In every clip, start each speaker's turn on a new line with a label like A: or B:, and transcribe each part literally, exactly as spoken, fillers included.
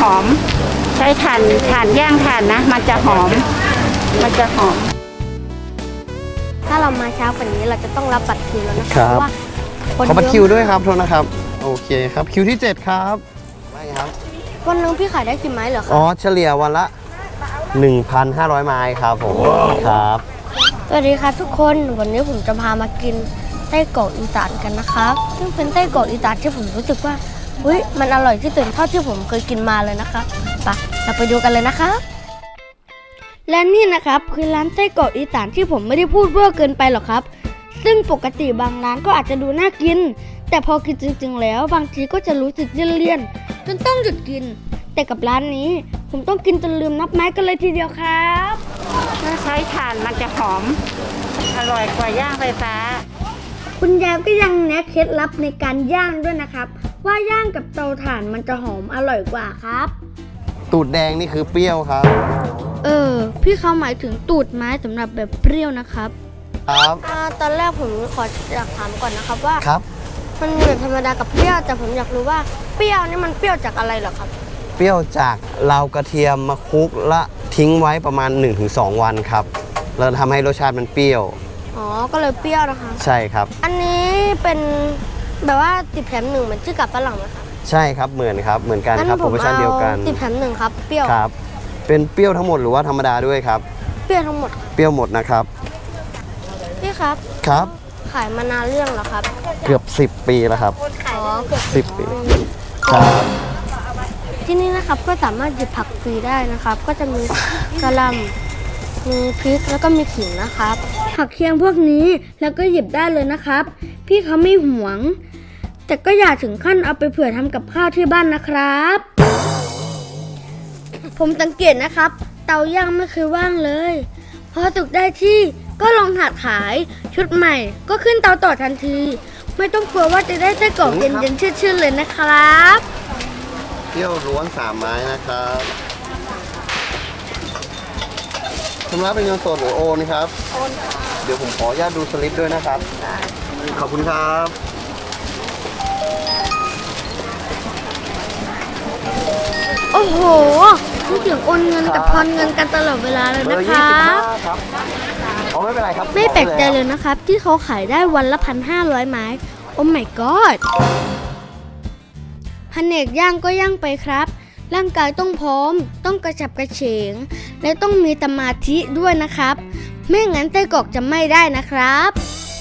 A: อมใช้ถ่านถ่านย่างถ่านนะมันจะหอมมันจะหอม
B: ถ้าเรามาเช้ากว่านี้เราจะต้องรับบัตรคิวแล้วนะค
C: ครั
B: รับบ เพราะว่าคน
C: ขอบัตร
B: เย
C: คิว
B: อะ
C: ด้วยครับโทษนะครับโอเคครับคิวที่เจ็ดครับไม่ครับ
B: วันนึงพี่ขายได้กี่ไม้เหรอครั
C: อ๋อเฉลี่ยวันละ หนึ่งพันห้าร้อย ไม้ครับผมครับ
B: สวัสดีครับทุกคนวันนี้ผมจะพามากินไส้กรอกอีสานกันนะครับซึ่งเป็นไส้กรอกอีสานที่ผมรู้สึกว่าเฮ้ยมันอร่อยที่สุดเท่าที่ผมเคยกินมาเลยนะครับไปเราไปดูกันเลยนะครับและนี่นะครับคือร้านไส้กรอกอีสานที่ผมไม่ได้พูดเวอร์เกินไปหรอกครับซึ่งปกติบางร้านก็อาจจะดูน่ากินแต่พอกินจริงๆแล้วบางทีก็จะรู้สึกเลี่ยนๆจนต้องหยุดกินแต่กับร้านนี้ผมต้องกินจนลืมนับไม้กันเลยทีเดียวครับ
A: ถ้าใช้ถ่านมันจะหอมอร่อยกว่าย่างไฟฟ้า
B: คุณยายก็ยังแนะเคล็ดลับในการย่างด้วยนะครับว่าย่างกับเตาถ่านมันจะหอมอร่อยกว่าครับ
C: ตูดแดงนี่คือเปรี้ยวครับ
B: เออพี่เขาหมายถึงตูดไม้สำหรับแบบเปรี้ยวนะครับ
C: ครับ
B: อ่าตอนแรกผมขออยากถามก่อนนะครับว่า
C: ครับ
B: มันมีแบบธรรมดากับเปรี้ยวแต่ผมอยากรู้ว่าเปรี้ยวนี่มันเปรี้ยวจากอะไรเหรอครับ
C: เปรี้ยวจากเรากระเทียมมาคลุกและทิ้งไว้ประมาณ หนึ่งถึงสอง วันครับแล้วทำให้รสชาติมันเปรี้ยว
B: อ๋อก็เลยเปรี้ยวนะคะ
C: ใช่ครับ
B: อันนี้เป็นแบบว่าติดแถมหนึ่งเหมือนชื่อกับฝรั่งไหมครับ
C: ใช่ครับเหมือนครับเหมือนกันครับโปรโมชั่นเดียวกัน
B: ติดแถมหนึ่งครับเปรี้ยว
C: ครับเป็นเปรี้ยวทั้งหมดหรือว่าธรรมดาด้วยครับ
B: เปรี้ยวทั้งหมดครับ
C: เปรี้ยวหมดนะครับ
B: พี่ครับ
C: ครับ
B: ขายมานานเรื่องเหรอครับ
C: เกือบสิบปีแล้วครับ
B: อ๋อเกือบ
C: สิบปีครับ
B: ที่นี่นะครับก็สามารถหยิบผักฟรีได้นะครับ ก็จะมีกระหล่ำมีพริกแล้วก็มีขิงนะครับ ผักเคียงพวกนี้แล้วก็หยิบได้เลยนะครับ พี่เขาไม่หวง แต่ก็อย่าถึงขั้นเอาไปเผื่อทำกับข้าวที่บ้านนะครับ ผมสังเกตนะครับ เตาย่างไม่เคยว่างเลยพอสุกได้ที่ก็ลงถาดขายชุดใหม่ก็ขึ้นเตาต่อทันที ไม่ต้องกลัวว่าจะได้ไส้กรอกเย็นๆชื่นๆเลยนะครับ
C: เปรี้ยวล้วนสามไม้นะครับชำระเป็นเงินสดหรือโอนครับโอนเดี๋ยวผมขออนุญาตดูสลิปด้วยนะครับขอบคุณครับ
B: โอ้โหพูดถึงโอนเงินกับทอนเงินกันตลอดเวลาเลย
C: เบอ
B: นะ
C: ร์
B: ค
C: ยี่
B: รั
C: สิบห้า
B: บ
C: ครับอ๋อไม่เป็นไรครับ
B: ไม่แปลกใจเลยนะครับ ที่เขาขายได้วันละพันห้าร้อยไม้โอ้ my god แผนกย่างก็ย่างไปครับ ร่างกายต้องพร้อม ต้องกระฉับกระเฉง และต้องมีสมาธิด้วยนะครับ ไม่งั้นไส้กรอกจะไม่ได้นะครับ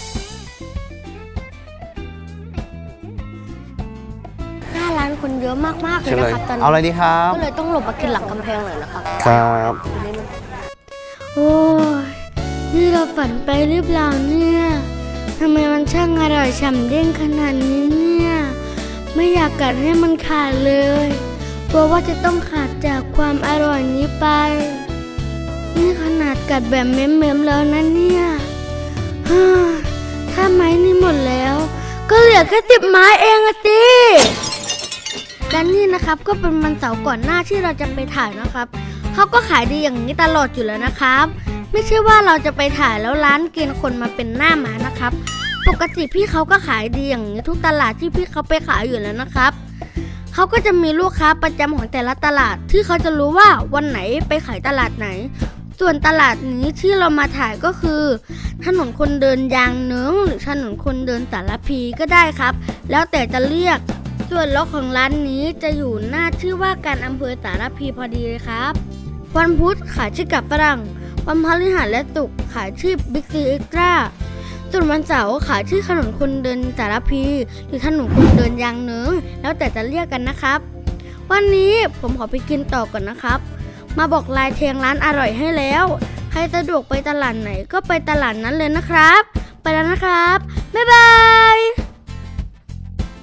B: หน้าร้านคนเยอะมากๆเลย
C: เชิญเลย
B: นะครับตอน
C: เอาอะไร
B: นี้
C: ดีครับ
B: ก็เลยต้องหลบมากินหลังกำแพงหน่อยนะครับ
C: ครับ
B: โอ้ยนี่เราฝันไปหรือเปล่าเนี่ยทำไมมันช่างอร่อยฉ่ำเด้งขนาดนี้เนี่ยไม่อยากกัดให้มันขาดเลยกลัวว่าจะต้องขาดจากความอร่อยนี้ไปนี่ขนาดกัดแบบเม้มๆแล้วนะเนี่ยฮ่าถ้าไม้นี่หมดแล้วก็เหลือแค่สิบไม้เองอะสิและนี่นะครับก็เป็นวันเสาร์ก่อนหน้าที่เราจะไปถ่ายนะครับเขาก็ขายดีอย่างนี้ตลอดอยู่แล้วนะครับไม่ใช่ว่าเราจะไปถ่ายแล้วร้านเกณฑ์คนมาเป็นหน้าหมานะครับปกติพี่เขาก็ขายดีอย่างนี้ทุกตลาดที่พี่เขาไปขายอยู่แล้วนะครับเขาก็จะมีลูกค้าประจำของแต่ละตลาดที่เขาจะรู้ว่าวันไหนไปขายตลาดไหนส่วนตลาดนี้ที่เรามาถ่ายก็คือถนนคนเดินยางเนิ้งหรือถนนคนเดินสารพีก็ได้ครับแล้วแต่จะเรียกส่วนล็อกของร้านนี้จะอยู่หน้าชื่อว่าการอำเภอสารพีพอดีเลยครับวันพุธขายที่กับฝรั่งวันพฤหัสและศุกร์ขายที่บิ๊กซีเอ็กซ์ตร้าส่วนวันเสาร์ขายที่ถนนคนเดินสารพีหรือถนนคนเดินยางเนิ้งแล้วแต่จะเรียกกันนะครับวันนี้ผมขอไปกินต่อก่อนนะครับมาบอกลายเทียงร้านอร่อยให้แล้วใครสะดวกไปตลาดไหนก็ไปตลาดนั้นเลยนะครับไปแล้วนะครับบ๊ายบาย